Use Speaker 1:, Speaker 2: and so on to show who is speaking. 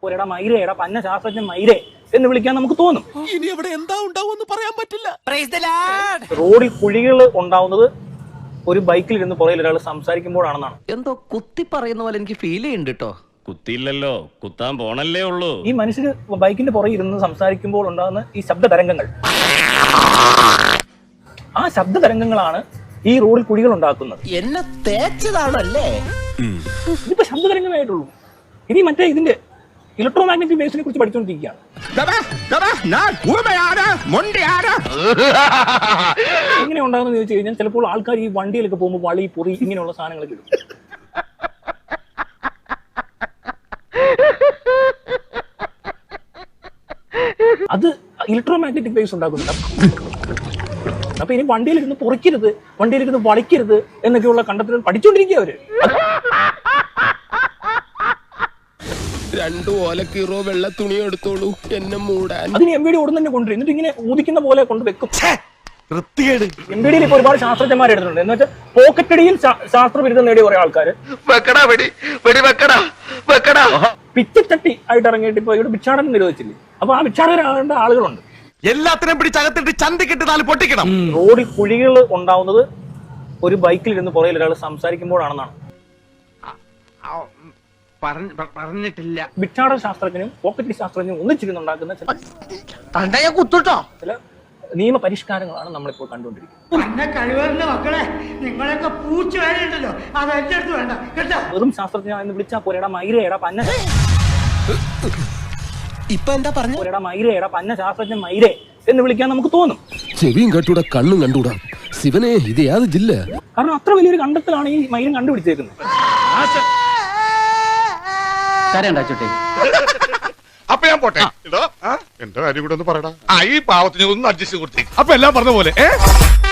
Speaker 1: ഒരെടാ മൈരേ, എടാ പന്ന ശാസ്ത്രജ്ഞൻ മൈരേ എന്ന് വിളിക്കാൻ നമുക്ക് തോന്നും.
Speaker 2: ഇനി അവിടെ എന്താ ഉണ്ടാവുമെന്ന് പറയാൻ പറ്റില്ല.
Speaker 1: റോഡിൽ കുഴികൾ ഉണ്ടാവുന്നത് ഒരു ബൈക്കിൽ ഇരുന്ന് പുറകിൽ ഒരാൾ സംസാരിക്കുമ്പോഴാണെന്നാണ്.
Speaker 3: എന്തോ കുത്തി പറയുന്ന പോലെ എനിക്ക് ഫീൽ ചെയ്യുന്നുണ്ട് കേട്ടോ.
Speaker 4: കുത്തിയില്ലല്ലോ, കുത്താൻ പോണല്ലേ ഉള്ളൂ.
Speaker 1: ഈ മനുഷ്യന് ബൈക്കിന്റെ പുറകിൽ ഇരുന്ന് സംസാരിക്കുമ്പോൾ ഉണ്ടാകുന്ന ഈ ശബ്ദ തരംഗങ്ങൾ, ആ ശബ്ദ തരംഗങ്ങളാണ് ഈ റോഡിൽ കുഴികൾ ഉണ്ടാക്കുന്നത്.
Speaker 3: എന്നെ തേച്ചതാണല്ലേ?
Speaker 1: ഇതിപ്പോ ശബ്ദ തരംഗമായിട്ടുള്ളൂ. ഇനി മറ്റേ ഇതിന്റെ ഇലക്ട്രോ മാഗ്നറ്റിക് വേവ്സിനെ കുറിച്ച് പഠിച്ചുകൊണ്ടിരിക്കുകയാണ്. എങ്ങനെ ഉണ്ടാകുന്ന ചോദിച്ചു കഴിഞ്ഞാൽ ചിലപ്പോൾ ആൾക്കാർ ഈ വണ്ടിയിലൊക്കെ പോകുമ്പോൾ വളി പൊറി ഇങ്ങനെയുള്ള സാധനങ്ങളൊക്കെ ഇടും. അത് ഇലക്ട്രോ മാഗ്നറ്റിക് വേവ്സ് ഉണ്ടാക്കുന്നുണ്ട്. അപ്പൊ ഇനി വണ്ടിയിലിരുന്ന് പൊറിക്കരുത്, വണ്ടിയിലിരുന്ന് വളിക്കരുത് എന്നൊക്കെയുള്ള കണ്ടെത്തലുകൾ പഠിച്ചുകൊണ്ടിരിക്കുക അവര്.
Speaker 2: രണ്ടു ഓലക്കീറോ വെള്ള തുണി എടുത്തോളൂ എന്നെ മൂടാൻ.
Speaker 1: അതിന് MVD ഓടുന്ന തന്നെ കൊണ്ടുവരും, എന്നിട്ട് ഇങ്ങനെ ഊതിക്കുന്ന പോലെ കൊണ്ട് വെക്കും. MVDയിൽ ഇപ്പൊ ഒരുപാട് ശാസ്ത്രജ്ഞന്മാർ എടുത്തിട്ടുണ്ട്. എന്ന് വെച്ചാൽ പോക്കറ്റടിയിൽ ശാസ്ത്രബിരുദം നേടിയ കുറെ ആൾക്കാര് പിച്ചച്ചട്ടി ആയിട്ട് ഇറങ്ങിയിട്ട് ഇപ്പൊ ഇവിടെ ഭിക്ഷാടനം നിരോധിച്ചില്ലേ, അപ്പൊ ആ ഭിക്ഷാടകരാകേണ്ട ആളുകളുണ്ട്.
Speaker 2: എല്ലാത്തിനും പിടിച്ചകത്തിട്ട് ചന്തിക്കിട്ട് നാല് പൊട്ടിക്കണം.
Speaker 1: റോഡിൽ കുഴികൾ ഉണ്ടാവുന്നത് ഒരു ബൈക്കിൽ ഇരുന്ന് പുറകിൽ ഒരാൾ സംസാരിക്കുമ്പോഴാണെന്നാണ്.
Speaker 3: പറഞ്ഞിട്ടില്ല.
Speaker 1: ഭിക്ഷാടക ശാസ്ത്രജ്ഞനും പോക്കറ്റ് ശാസ്ത്രജ്ഞനും ഒന്നിച്ചിരുന്നുണ്ടാക്കുന്ന
Speaker 3: കുത്തുട്ടോ.
Speaker 1: ചില നിയമ പരിഷ്കാരങ്ങളാണ് നമ്മളിപ്പോൾ കണ്ടുകൊണ്ടിരിക്കുന്നത്.
Speaker 5: മക്കളെ നിങ്ങളൊക്കെ പൂച്ച വേണ്ടല്ലോ, അത് എന്റെ അടുത്ത് വേണ്ട കേട്ടോ.
Speaker 1: വെറും ശാസ്ത്രജ്ഞ എന്ന് വിളിച്ചാൽ പോലെടാ മൈരേടാ പന്ന,
Speaker 2: ഇപ്പൊ എന്താ പറഞ്ഞു?
Speaker 1: ഒരെടാ മൈരേടാ പന്ന ശാസ്ത്രജ്ഞൻ മൈരേ എന്ന് വിളിക്കാൻ നമുക്ക് തോന്നും.
Speaker 2: ചെവിയും കണ്ടൂടാ കണ്ണും കണ്ടൂടാ. ശിവനെ ഇത് യാത് ജില്ല.
Speaker 1: കാരണം അത്ര വലിയൊരു കണ്ടെത്തലാണ് ഈ മൈരം കണ്ടുപിടിച്ചേക്കുന്നത്.
Speaker 6: അപ്പൊ ഞാൻ പോട്ടെ. എന്റെ കാര്യം കൂടെ ഒന്ന് പറയടാ. ഈ പാവത്തിന് ഒന്ന് അഡ്ജസ്റ്റ് കൊടുത്തേ.
Speaker 2: അപ്പൊ എല്ലാം പറഞ്ഞ പോലെ